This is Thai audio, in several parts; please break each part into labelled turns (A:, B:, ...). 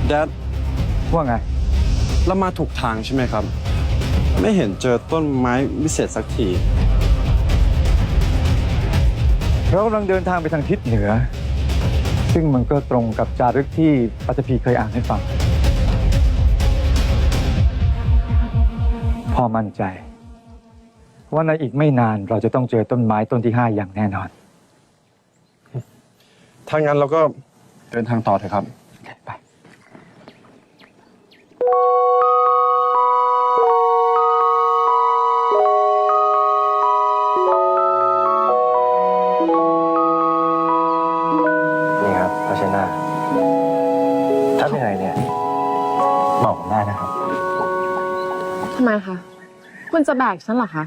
A: แดด
B: ว่าไง
A: เรามาถูกทางใช่ไหมครับไม่เห็นเจอต้นไม้วิเศษสักที
B: เรากำลังเดินทางไปทางทิศเหนือซึ่งมันก็ตรงกับจารึกที่ปัตภีเคยอ่านให้ฟังพ่อมั่นใจว่าในอีกไม่นานเราจะต้องเจอต้นไม้ต้นที่ 5อย่างแน่นอน
A: ถ้างั้นเราก็เดินทางต่อเถอะครับ
B: ไป
C: นี่ครับภาชนะถ้าเหนื่อยเนี่ยบอกผมได้นะครับ
D: ทำไมคะคุณจะแบกฉันเหรอคะ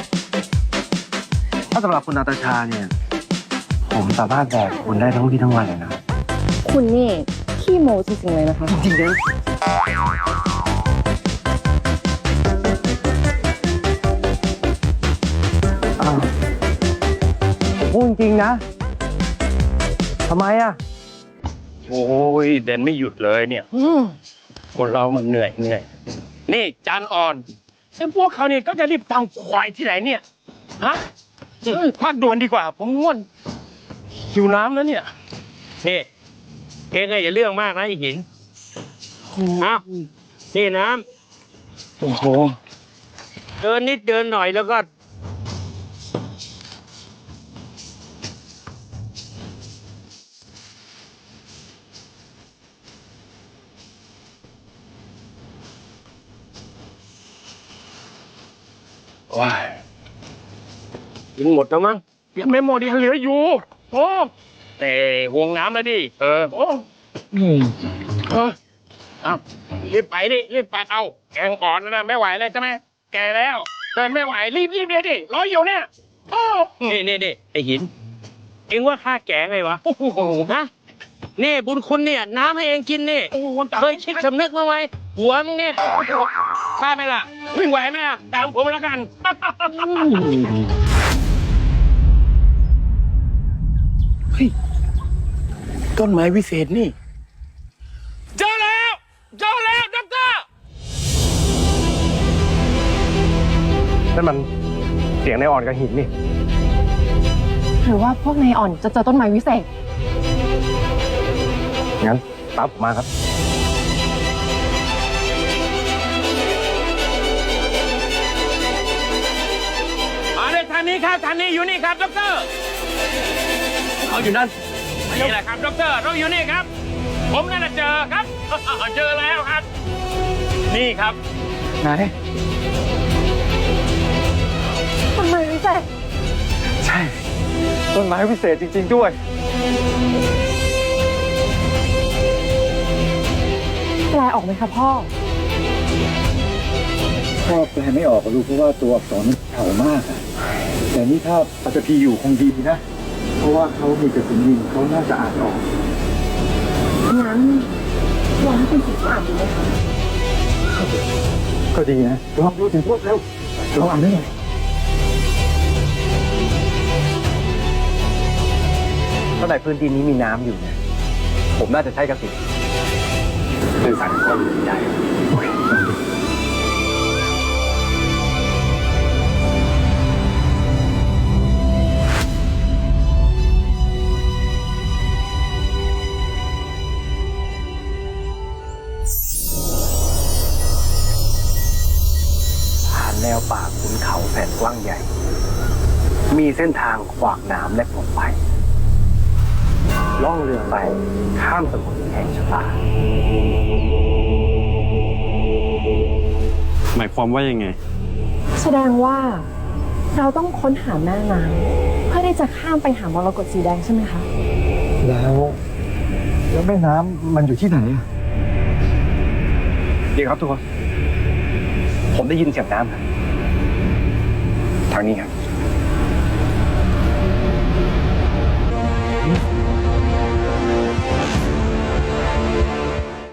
C: ถ้าสำหรับคุณนาตาชาเนี่ยผมสามารถแบกคุณได้ทั้งวี่ทั้งวันเลยนะ
D: คุณนี่ขี้โม้จริงๆเลยนะคะ
C: จริงๆนะพูดจริงนะทำไมอ่ะ
E: โอ้ยเดินไม่หยุดเลยเนี่ยคนเรามันเหนื่อยนี่จานอ่อนไอ้พวกเขาเนี่ยก็จะรีบตามควายที่ไหนเนี่ยฮะพักด่วนดีกว่าผมง่วนหิวน้ำแล้วเนี่ยนี่เองอย่าเรื่องมากนะไอ้หินอ้าวนี่น้ำโอ้โหเดินนิดเดินหน่อยแล้วก็ว้ายกินหมดแล้วมั้งยังไม่หมดยังเหลืออยู่โอ้แต่ห่วงน้ำแล้วดิโอ้เอารีบไปดิรีบไปเอาแกงอ่อนนะไม่ไหวเลยใช่ไหมแกแล้วเดินไม่ไหวรีบเลยดิรออยู่เนี่ยโอ้นี่ไอหินเอ็งว่าข้าแกงไงวะโอ้โหฮะนี่บุญคุณเนี่ยน้ำให้เองกินนี่เคยคิดสำนึกมั้งไหมหัวมึงเนี่ยข้าไหมล่ะวิ่งไหวไหมอ่ะตามผมแล้วกันเฮ้ยต้นไม้วิเศษนี่เจอแล้วด็อกเตอร์
C: นั่นมันเสียงในอ่อนกับหินนี่
D: หรือว่าพวกนายอ่อนจะเจอต้นไม้วิเศษ
C: งั้นตามผมมาครับ
E: มาเลยทางนี้ครับทางนี้อยู่นี่ครับด็อกเตอร์เขาอยู่นั่นนี่แหละครับด็อกเตอร์เราอยู่นี่ครับผมนั่นเจอครับเจอแล้วครับนี่ครับ
B: ไหน
D: ต้นไม้วิเศษ
B: ใช่ต้นไม้วิเศษจริงๆด้วย
D: แปลออกไหมคะพ่อ
B: แปลไม่ออกลูกเพราะว่าตัวอักษรมันเก่ามากอะแต่นี่ถ้าปัตภีอยู่คงดีนะเพราะว่าเขามีกระสุนยิงเขาน่าจะอ่านออก
D: งั้นลองให้คุณสิอ่านดูไหมคะ
B: ก็ดีนะลองดูถึงพวกเร็วลองอ่านได้หน่อย
C: ถ้าในพื้นที่นี้มีน้ำอยู่เนี่ยผมน่าจะใช้กระสุนสื่อสารกับคนใหญ่แนวป่าขุนเขาแสนกว้างใหญ่มีเส้นทางขวากหนามและปลอดภัยล่องเรือไปข้ามสมุทรแห่งชะตา
A: หมายความว่ายังไง
D: แสดงว่าเราต้องค้นหาแม่น้ำเพื่อที่จะข้ามไปหามรกตสีแดงใช่ไหมคะ
B: แล้วแม่น้ำมันอยู่ที่ไหน
C: เดี๋ยวครับทุกคนผมได้ยินเสียงน้ำทางนี้ครับ